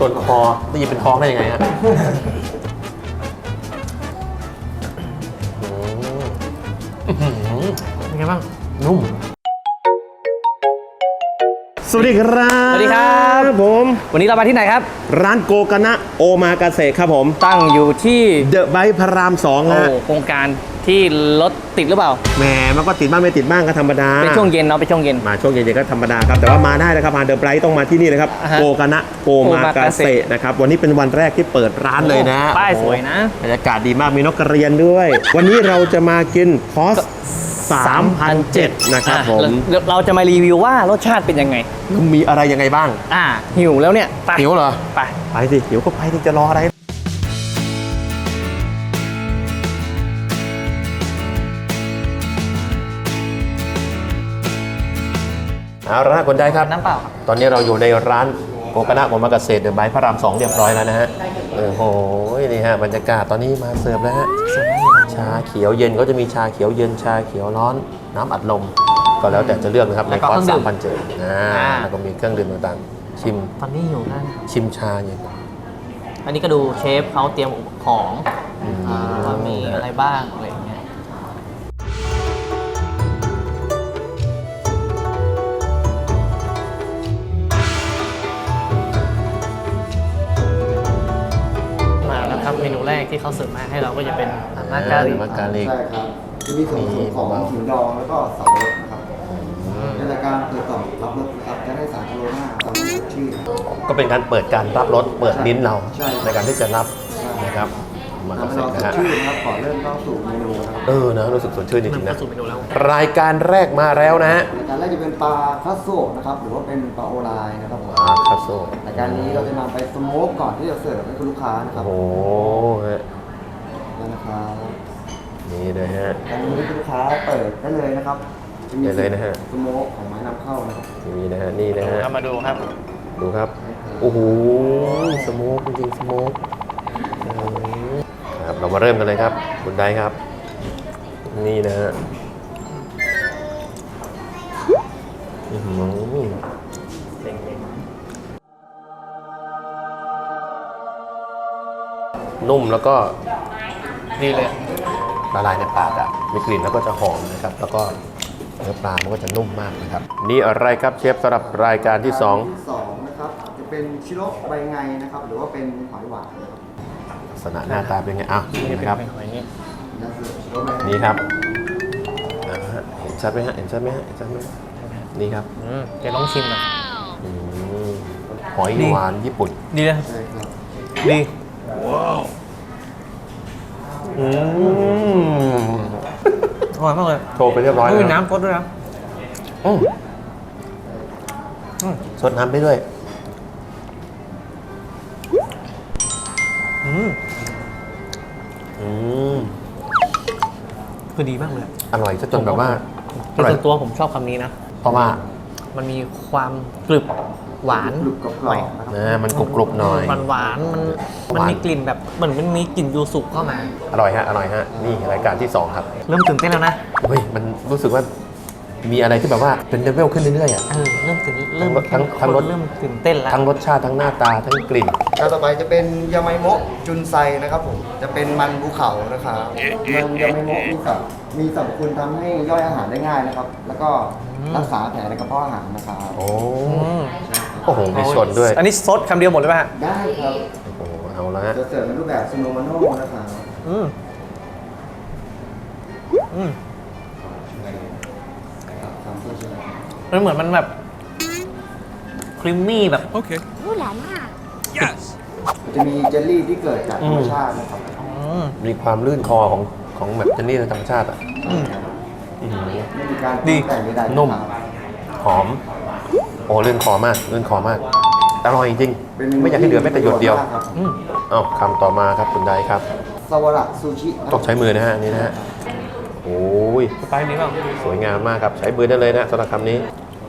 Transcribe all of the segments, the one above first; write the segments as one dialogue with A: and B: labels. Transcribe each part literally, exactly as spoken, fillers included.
A: ส่วนคอได้ยินเป็นท้องได้ยังไงฮะเป็นไงบ้างนุ่มสวัสดีครับ
B: สวัสดีครับ
A: ผม
B: วันนี้เรามาที่ไหนครับ
A: ร้านโกกานะโอมากาเสะครับผม
B: ตั้งอยู่ที่
A: เดอะไบค์พระรามสองนะ
B: โครงการที่รถติดหรือเปล่า
A: แหมมันก็ติดบ้างไม่ติดบ้างก็ธรรมดา
B: เป็นช่วงเย็นเนาะเป็นช่วงเย็น
A: มาช่วงเย็นๆก็ธรรมดาครับแต่ว่ามาได้นะครับมาเดอะไบค์ต้องมาที่นี่นะครับโกกานะโอมากาเสะนะครับวันนี้เป็นวันแรกที่เปิดร้านเลยนะ
B: ป้ายสวยนะ
A: บรรยากาศดีมากมีนกกระเรียนด้วยวันนี้เราจะมากินคอสสามพันเจ็ดร้อยนะครับผม
B: เราจะมารีวิวว่ารสชาติเป็นยังไง
A: มีอะไรยังไงบ้าง
B: อ่าหิวแล้วเนี่ย
A: หิวเหรอ
B: ไป
A: ไปสิหิวก็ไปที่จะรออะไรเอาละคนได้ครับ
B: น้ำเปล่า
A: ตอนนี้เราอยู่ในร้านโกกานะโอมากาเสะเดอะไบค์พระรามสองเรียบร้อยแล้วนะฮะโอ้โหนี่ฮะบรรยากาศตอนนี้มาเสิร์ฟแล้วฮะชาเขียวเย็นก็จะมีชาเขียวเย็นชาเขียวร้อนน้ำอัดลมก็แล้วแต่จะเลือกนะครับในคอร์สสามพันเจ็ดอ่าแล้วก็มีเครื่องดื่มต่างๆชิม
B: ตอนนี้อยู่นั่น
A: ชิมชาเย็น
B: อันนี้ก็ดูเชฟเขาเตรียมของว่ามีอะไรบ้างอะไรอย่างเงี้ยเมนูแรกที่เขาเสิร์ฟมาให้เราก็จะเป็นมากาลิ
A: มากาลิ
C: ใช่ครับจะมีส่วนผสมของหินดองแล้วก็สับปะรดนะครับในรายการเปิดกล่องรับรสครับจะได้สารโคโรนาตามชื่อ
A: ก็เป็นการเปิดการรับรสเปิดลิ้นเราในการที่จะรับนะครับ
C: มาเสร็จนะฮะชื่อนะครับขอเริ่มเข้าสู่เมนูนะครับ
A: เออนะรู้สึกสดชื่นจริงๆนะรายการแรกมาแล้วนะฮะ
C: รายการแรกจะเป็นปลาคัสโซนะครับหรือว่าเป็นปลาโอไลนะครับ
A: ปลาคัสโซ
C: รายการนี้เราจะนำไปสโมกก่อนที่จะเสิร์ฟให้คุณลูกค้านะครับ
A: โอ้ฮะ
C: นี่นะครับ
A: นี่เลยฮะ
C: การนี้คุณลูกค้าเปิดได้เลยนะครับ
A: ได้เลยนะฮะ
C: สโมกของไม้นำเข้านะครับ
A: นี่นะฮะนี่นะฮะ
B: มาดูครับ
A: ดูครับโอ้โหสโมกจริงๆสโมกครับเรามาเริ่มกันเลยครับคุณได้ครับนี่นะฮะนุ่มแล้วก็
B: ดีเลย
A: ละลายในปากอ่ะมีกลิ่นแล้วก็จะหอมนะครับแล้วก็เนื้อปลามันก็จะนุ่มมากนะครับนี่อะไรครับเชฟสำหรับรายการที่สอง
C: ที่สองนะครับจะเป็นชิโร่ใบไงนะครับหรือว่าเป็นหอยหวานนะครับ
A: ลักษณะหน้าตาเป็นไงอ้าวนี่นะครับนี่ครับเห็นชัดไหมฮะเห็นชัดไหมฮะเห็นชัดไหมนี่ครับ
B: จะต้องชิมอ่ะ
A: หอยหวานญี่ปุ่น
B: ดีเลยดีว้าว
A: อืม
B: อร่อยมากเลย
A: โชว์ไปเรียบร้อยแล้ว
B: มีน้ำซดด้วยนะ
A: ซดน้ำไปด้วย
B: อืมอืมคือดีมากเลย
A: อร่อยจนแบบว่า
B: ส่วนตัวผมชอบคำนี้นะ
A: เพราะว่า
B: มันมีความกรึบหวาน
C: หน่อย
A: นะมันกรุบๆหน่อย
B: มันหวานมันมันมีกลิ่นแบบเหมือนมันมีกลิ่นยูสุเข้ามา
A: อร่อยฮะอร่อยฮะนี่รายการที่สองครับ
B: เริ่มตื่นเต้นแล้วนะ
A: เฮ้ยมันรู้สึกว่ามีอะไรที่แบบว่าเป็นเลเวลขึ้นเรื่อยๆอ่ะ
B: เออเริ่มตื่นเริ่มทั้งทั้งรสเริ่มตื่นเต้นแล้ว
A: ทั้งรสชาติทั้งหน้าตาทั้งกลิ่น
C: ต่อไปจะเป็นยาไมโมะจุนไซนะครับผมจะเป็นมันภูเขานะครับมันยาไมโมะมีสับมีสรรพคุณทำให้ย่อยอาหารได้ง่ายนะครับแล้วก็รักษาแผลในกระเพาะอาหารนะครับ
A: โอ้โอ้โหมีชนด้วย
B: อันนี้ซดคำเดียวหมดเลยป่ะ
C: ได้ครับ
A: โอ้โหเอาละ
C: จะเสิร์ฟในรูปแบบซูโนมาโน่นะครับ
B: อืมอืมมันเหมือนมันแบบครีมมี่แบบ
D: โอเครู้หลานมาก
C: yes จะมีเจลลี่ที่เกิดจากธรรมชาตินะครับ
A: มีความลื่นคอของของแบบเจลลี่ธรรมชาติอ่ะ
C: ไม่มีการ
B: ดี
A: นุ่มหอมโอ้ลื่นคอมากลื่นคอมากอร่อยจริงไม่อยากให้เหลือแม้แต่หยดเดียวอ้าวคำต่อมาครับคุณไดครับ
C: ซาวาระซูชิ
A: ต้องใช้มือนะฮะนี่นะฮะโอ้ย
B: ไปนี้บ้าง
A: สวยงามมากครับใช้มือได้เลยนะสำหรับคำนี้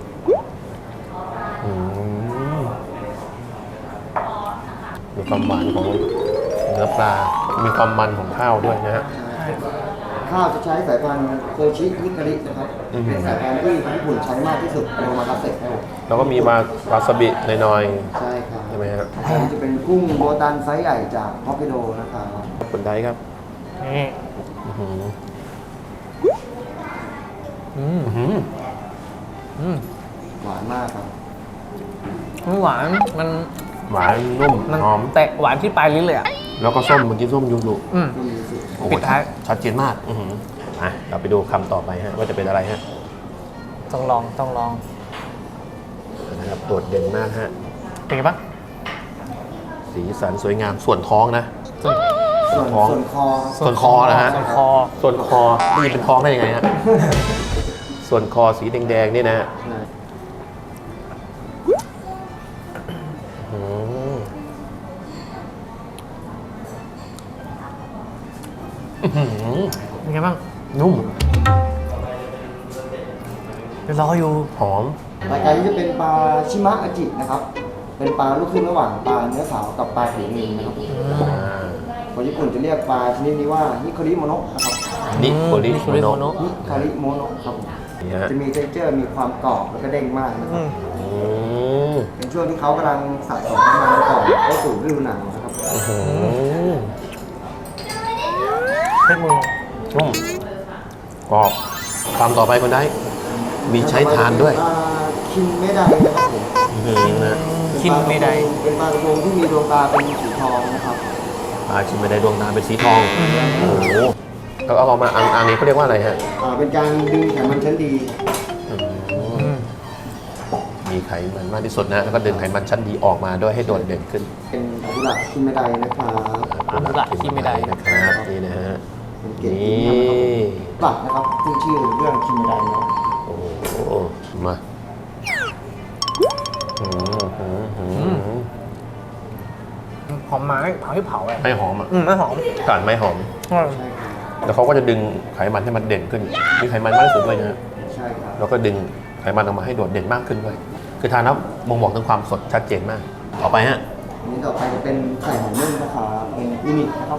A: มีความหวานของเนื้อปลามีความมันของข้าวด้วยนะฮะ
C: ข้าวจะใช้สายพันธุ์โคชิฮิคารินะครับเป็นสายพันธุ์ที่ญี่ปุ่นใช้มากที่สุดในโอมากาเสะครับ
A: แล้วก็มีมาวาซาบิหน่อย
C: ๆใช่ครับ
A: ใช่ไหมครับ
C: อันนี้จะเป็นกุ้งโบตันไซส์ใหญ่จากฮอกไกโดนะครับ
A: คนใดครับ
B: นี่
A: อื้อหือ
B: อืม
A: อื้อหือ
B: อืม
C: หวานมากครับ
B: มันหวานมัน
A: หวานนุ่ม
B: มัน
A: หอม
B: แตะหวานที่ปลายลิ้นเลยอ่ะ
A: แล้วก็ส้มเมื่อกี้ส้มยูสุ
B: อืม
C: ก็มีสูตร
A: โอ้โห
B: ปิดท้าย
A: ชัดเจนมากอื้อหืออ่ะเราไปดูคำต่อไปฮะว่าจะเป็นอะไรฮะ
B: ต้องลองต้องลอง
A: นะครับโดดเด่นมากฮะ
B: เป็นไงบ้าง
A: สีสันสวยงามส่วนท้องนะ
B: ส่วน
C: ส่วน
A: ท้อง
C: ส่วนคอ
A: ส่วนคอนะฮะ
B: ส่วนคอ
A: ส่วนคอนี่เป็นท้องได้ยังไงฮะ ส่วนคอสีแดงๆนี่นะฮะอืมอื้อหือ
B: เป็นไงบ้าง
A: นุ่ม
B: เดี๋ยวรออยู่
A: หอม
C: รายการนี้จะเป็นปลาชิมะอาจินะครับ เป็นปลาลูกครึ่งระหว่างปลาเนื้อขาวกับปลาผิวเงินนะครับผม
A: อ่า
C: คนญี่ปุ่นจะเรียกปลาชนิดนี้ว่าฮิโคริโมโนะนะครับ
A: นิโคลิ
B: นิโคลิโมโนะ
C: ฮิคาริโมโนะครับผม
A: นี่ฮะ
C: จะมีเทคเจอร์มีความกรอบแล้วก็เด้งมากนะค
B: อื
C: รับ
B: ม
A: อืม
C: เป็นช่วงที่เขากำลังสะสมน้ำมันก่อนเข้าสู่ฤดูหนาวนะครับ
A: อื้อหือ
B: เช็ดมือ
A: นุ่มกรอบคำต่อไปคนได้มีใช้ทานด้วย
C: ปลาคินเมไดนะครับผม
A: อื้อหือนะ
B: คินไม่ได้
C: เป็นปลากระพงที่มีดวงตาเป็นสีทองนะครับ
A: ปลาชิมไม่ได้ดวงตาเป็นสีทอง โอ้โหแล้วเอาออกมาอันอันนี้เขาเรียกว่าอะไรฮะ
C: อ่าเป็นการดึงไขมันชั้นดี
A: อืม
B: อืม
A: มีไขมันมากที่สุดนะ แล้วก็ดึงไขมันชั้นดีออกมาด้วยให้โดดเด่นขึ้น
C: เป็นอาบุระคินเมไดนะครับ
B: อาบุระคิไม่ได้
A: นะครับนี่นะฮะ
C: เป็นเกรด
A: นี่
C: พรีเมียมนะครับหลักนะครับขึ้นชื่อเรื่องคินเมไดเนาะ
A: โอ้โหมาอืมอืมอืมอืม
B: หอมไม้เผาที่เผาเลย
A: ไม่หอมอ่ะ
B: อืมไม่หอม
A: กลิ่นไม่หอม
B: อืม
C: ใช่ครับ
A: แล้วเขาก็จะดึงไขมันให้มันเด่นขึ้น มีไขมันมากที่สุดด้วยนะฮะ
C: ใช่ครับ
A: แล้วก็ดึงไขมันออกมาให้โดดเด่นมากขึ้นด้วย คือทานแล้วบ่งบอกถึงความสดชัดเจนมาก ต่อไปฮะ
C: อันนี้ต่อไปจะเป็นไข่หมูนึ่งนะครับเป็นยูนิคนะครับ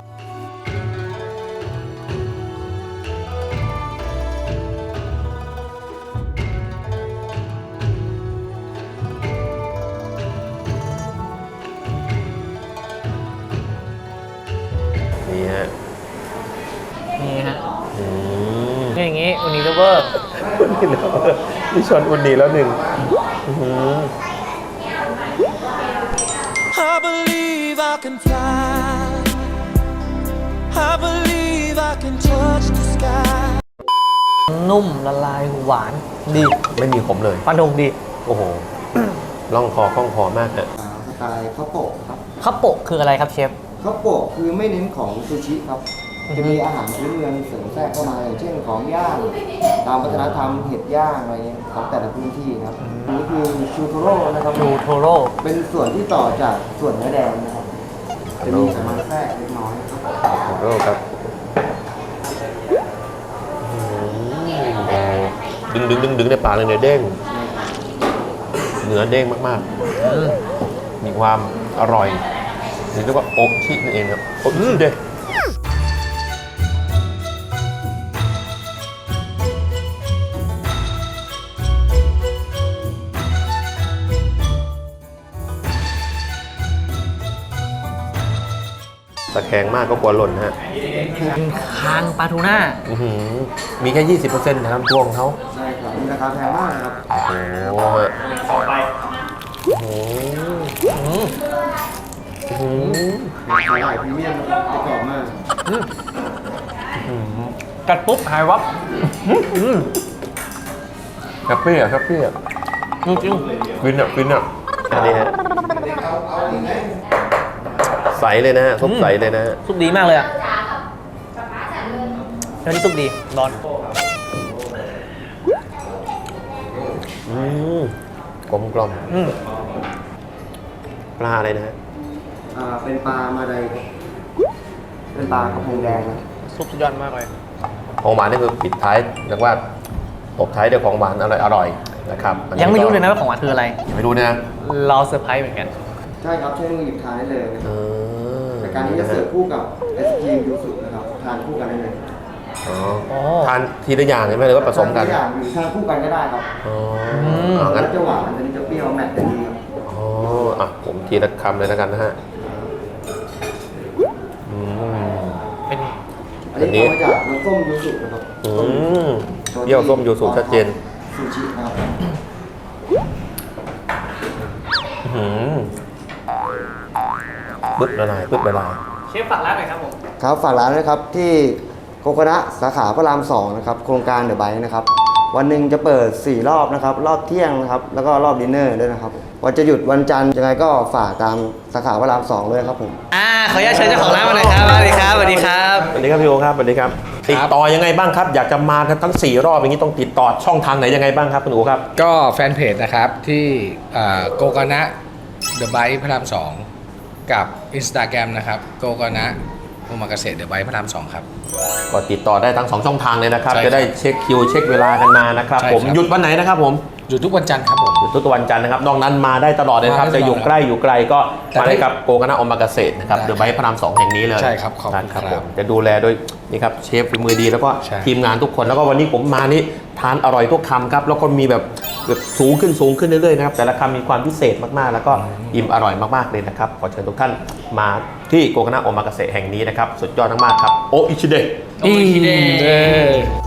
A: นี่ฮะ
B: นี่ฮะ
A: อืม
B: นี่อย่างงี้อุนิเลเวอร์
A: นี่แล้วนี่ชอนอุ่นดีแล้วหนึ่งอื้อหือ
D: I believe I can fly. I believe I can touch the sky.
B: นุ่มละลายหวานดี
A: ไม่มีขมเลย
B: ฟันธงดี
A: โอ้โห ล่องคอคล่องคอมากฮะ
C: อ่าสไตล์ข้าวโปะครับ
B: ข้าวโปะคืออะไรครับเชฟ
C: ข้าวโปะคือไม่เน้นของซูชิครับ จะมีอาหารพื้นเมืองเสริมแทรกเข้ามาอย่างเช่นของย่างตามวัฒนธรรมเห็ดย่างอะไรเงี้ยของแต่ละพื้นที่นะครับอันนี้คือชูโทโร่นะครับ
B: ชูโทโร่
C: เป็นส่วนที่ต่อจากส่วนเนื้อแดงนะครับ จะมีไขมันแทรกเล็กน้อยครับ
A: ขอโทษครับดึงดึงดึงดึงในปากเลยเนี่ยเด้ง เนื้อเด้งมาก
B: อืม
A: ๆ มีความอร่อยหรือเรียกว่าโอชินั่นเองครับโอชิเด้ตะแคงมากก็กลัวหล่นฮะ
B: เป็นคางปลาทูน่า
A: อื้อหือมีแค่ ยี่สิบเปอร์เซ็นต์นะครับตัวของเขา
C: ใช่ครับมีราคาแพงมากนะครับ
A: โอ้โหฮะโอ้โหอื้อหือ
C: มีขายพรีเมียมนะครับประกอบมาก
B: กัดปุ๊บหายวับอืม
A: แฮปปี้อ่ะแฮปปี้อ่ะ
B: จริงจริง
A: ฟินอ่ะฟินอ่ะอันนี้ฮะใสเลยนะฮะซุปใสเลยนะฮะ
B: ซุปดีมากเลยอ่ะเดี๋ยวนี้ซุปดีร้อน
A: อืมกลมกล่อม
B: อืม
A: ปลาอะไรนะฮะ
C: อ่าเป็นปลามาไดเป็นปลากระพงแดงนะ
B: ซุปสุดยอดมากเลย
A: ของหวานนี่คือปิดท้ายเรียกว่าตบท้ายด้วยของหวานอร่อยอร่อยนะครับอันนี้
B: ยังไม่รู้เลยนะว่าของหวานคืออะไร
A: ยังไม่รู้นะ
B: เราเซอร์ไพรส์เหมือนกัน
C: ใช่ครับใช้มือหยิบทานได้เลยนะค
A: เอ
C: รับ
A: อ
C: รายการนี้จะเสิร์ฟคู่กับไอศครีมยูสุนะครับทานคู่กันได้เลย
A: อ๋อ
B: อ๋อ
A: ทานทีละอย่างใช่ไหมหรือว่าผสมกัน
C: ทาทุอย่างหรือทานคู่กันก็ได้ครับ
A: อ๋อ
B: ม
A: อ๋อ
C: อัน
A: งั้น
C: นี้จะหวานอันนี้จะเปรี้ยวแมทกันดีครับ
A: อ๋ออ่ะผมทีละคำเลยแล้วกันนะฮะอืม
B: เป็น
C: อันนี้ทำมาจากน้ำส้มยูสุนะครับ
A: อืมเยี่ยวส้มยูสุชัดเจน
C: ซูชินะครับ
A: อื้อหือปึ๊บละลายปึ๊บละลาย
B: เชฟฝากร้านหน่อยครับผม
C: ครับฝากร้านด้วยครับที่โกโกนะสาขาพระรามสองนะครับโครงการเดอะไบค์นะครับวันหนึ่งจะเปิดสี่รอบนะครับรอบเที่ยงนะครับแล้วก็รอบดินเนอร์ด้วยนะครับวันจะหยุดวันจันทร์ยังไงก็ฝากตามสาขาพระรามสองเลยครับผม
B: อ่าขออนุญาตเชิญเจ้าของร้านมาหน่อยครับสวัสดีครับสวัสดีครับ
A: สวัสดีครับพี่โอครับสวัสดีครับติดต่อยังไงบ้างครับ อยากจะมาทั้งสี่รอบอย่างนี้ต้องติดต่อช่องทางไหนยังไงบ้างครับคุณโอครับ
E: ก็แฟนเพจนะครับที่โกกานะเดอะไบค์พระรามสองกับ Instagram นะครับโกกานะโอมากาเสะเดอะไบค์พระรามสองครับ
A: ก็ติดต่อได้ทั้งสองช่องทางเลยนะครับ
E: ใช่ครับ
A: จะได้เช็คคิวเช็คเวลากันมานะครับ
E: ใช่
A: ผม
E: ครับ
A: หยุดวันไหนนะครับผม
E: อยู่ทุกวันจันทร์ครับผม
A: หยุดทุกวันจันทร์นะครับนอกนั้นมาได้ตลอดเลยนะครับ
E: มาได้
A: จะอยู่
E: ตลอด
A: ใกล้อยู่ไกลก็
E: แต่
A: มา
E: ได้
A: ได้กับโกกานะอมากาเสะนะครับ
E: ได้
A: เดอะไบค์พระรามสองแห่งนี้เลย
E: ใช่ครับขอบคุณ
A: ครับ
E: ครับ
A: ผมจะดูแลโดยนี่ครับเชฟฝีมือดีแล้วก็
E: ใช่
A: ทีมงานทุกคนแล้วก็วันนี้ผมมานี่ทานอร่อยทุกคำครับแล้วก็มีแบบแบบสูงขึ้นสูงขึ้นเรื่อยๆนะครับแต่ละคำมีความพิเศษมากๆ แล้วก็อิ่มอร่อยมากๆเลยนะครับขอเชิญทุกท่านมาที่โกกานะอมากาเสะแห่งนี้นะครับสุดยอดมากๆครับโออิชิเดะ
B: โออิชิเดะ